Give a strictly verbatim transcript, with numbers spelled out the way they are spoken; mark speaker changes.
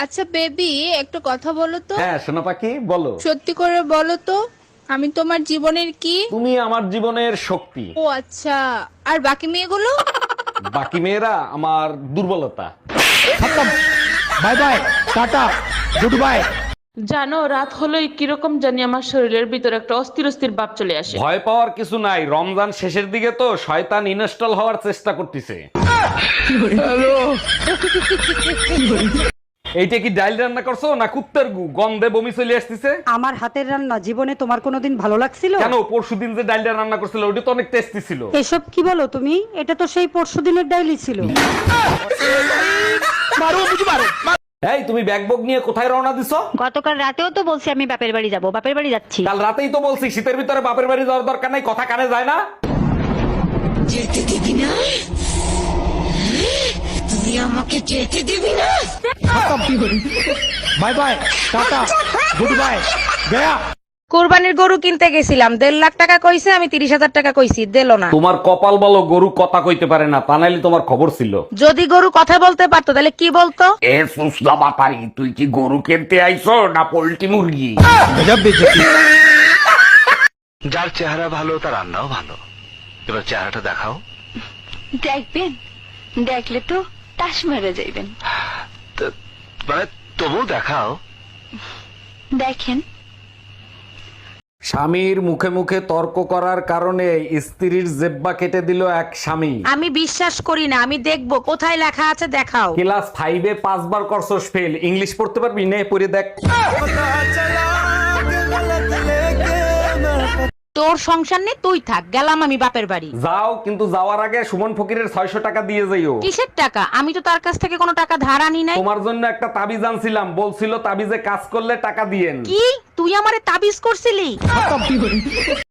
Speaker 1: আচ্ছা বেবি, একটু কথা বলো তো।
Speaker 2: হ্যাঁ সোনা পাখি বলো।
Speaker 1: সত্যি করে বলো তো, আমি তোমার জীবনের কি?
Speaker 2: তুমি আমার জীবনের শক্তি।
Speaker 1: ও আচ্ছা, আর বাকি মেয়েগুলো?
Speaker 2: বাকি মেয়েরা আমার দুর্বলতা।
Speaker 3: বাই বাই, টাটা, গুড বাই।
Speaker 4: জানো, রাত হলেই কিরকম জানি আমার শরীরের ভিতরে একটা অস্থির অস্থির ভাব চলে আসে।
Speaker 2: ভয় পাওয়ার কিছু নাই, রমজান শেষের দিকে তো শয়তান ইনস্টল হওয়ার চেষ্টা করতেছে। এইটা কি ডাইল রান্না করছো না কুত্তার গু? গন্ধে বমি চলে আসতেছে।
Speaker 5: আমার হাতের রান্না জীবনে তোমার কোনোদিন ভালো লাগছিল?
Speaker 2: কেন, পরশুদিন যে ডাইলটা রান্না করছিল ওটা তো অনেক টেস্টি ছিল।
Speaker 5: এসব কি বলো তুমি? এটা তো সেই পরশুদিনের ডাইলি ছিল।
Speaker 2: এই তুমি ব্যাগ বগ নিয়ে কোথায় রওনা দিছো?
Speaker 6: গতকাল রাতেও তো বলছি আমি বাপের বাড়ি যাব, বাপের বাড়ি যাচ্ছি।
Speaker 2: কাল রাতেই তো বলছি শীতের ভিতরে বাপের বাড়ি যাওয়ার দরকার নাই, কথা কানে যায় না।
Speaker 7: যেতে দিবি না? তুই আমাকে যেতে দিবি না?
Speaker 3: বাই বাই, টাটা, গুড বাই, গয়া।
Speaker 8: কোরবানির গরু কিনতে গেছিলাম, দেড় লাখ টাকা কইছে, আমি তিরিশ হাজার টাকা কইছি, দিলো না।
Speaker 2: তোমার কপাল বলো গরু কথা কইতে পারে না, তা নাইলে তোমার খবর ছিল।
Speaker 8: যদি গরু কথা বলতে পারতো তাহলে কি বলতো?
Speaker 2: এ সুসলা বাপারি, তুই কি গরু কিনতে আইছো না পোল্ট্রি মুরগি?
Speaker 3: গজব বেজতি।
Speaker 9: যার চেহারা ভালো তার রান্নাও ভালো। এবার চেহারাটা দেখাও।
Speaker 6: দেখবেন, দেখলে তো তাস মেরে যাইবেন।
Speaker 9: তো- মানে তবু দেখাও।
Speaker 6: দেখেন।
Speaker 2: স্বামীর মুখে মুখে তর্ক করার কারণে স্ত্রীর জেব্বা কেটে দিল এক স্বামী।
Speaker 8: আমি বিশ্বাস করি না, আমি দেখবো কোথায় লেখা আছে, দেখাও।
Speaker 2: ক্লাস ফাইভে পাঁচবার করছস ফেল, ইংলিশ পড়তে পারবি? নে পড়ে দেখ।
Speaker 8: তোর সংসার নেই, তুই থাক, গেলাম আমি বাপের বাড়ি।
Speaker 2: যাও, কিন্তু যাওয়ার আগে সুমন ফকিরের ছয়শো টাকা দিয়ে যাইও।
Speaker 8: কিসের টাকা? আমি তো তার কাছ থেকে কোনো টাকা ধার আনি নাই।
Speaker 2: তোমার জন্য একটা তাবিজ আনছিলাম, বলছিল তাবিজে কাজ করলে টাকা দিয়েন।
Speaker 8: কি, তুই আমারে তাবিজ করছিলি?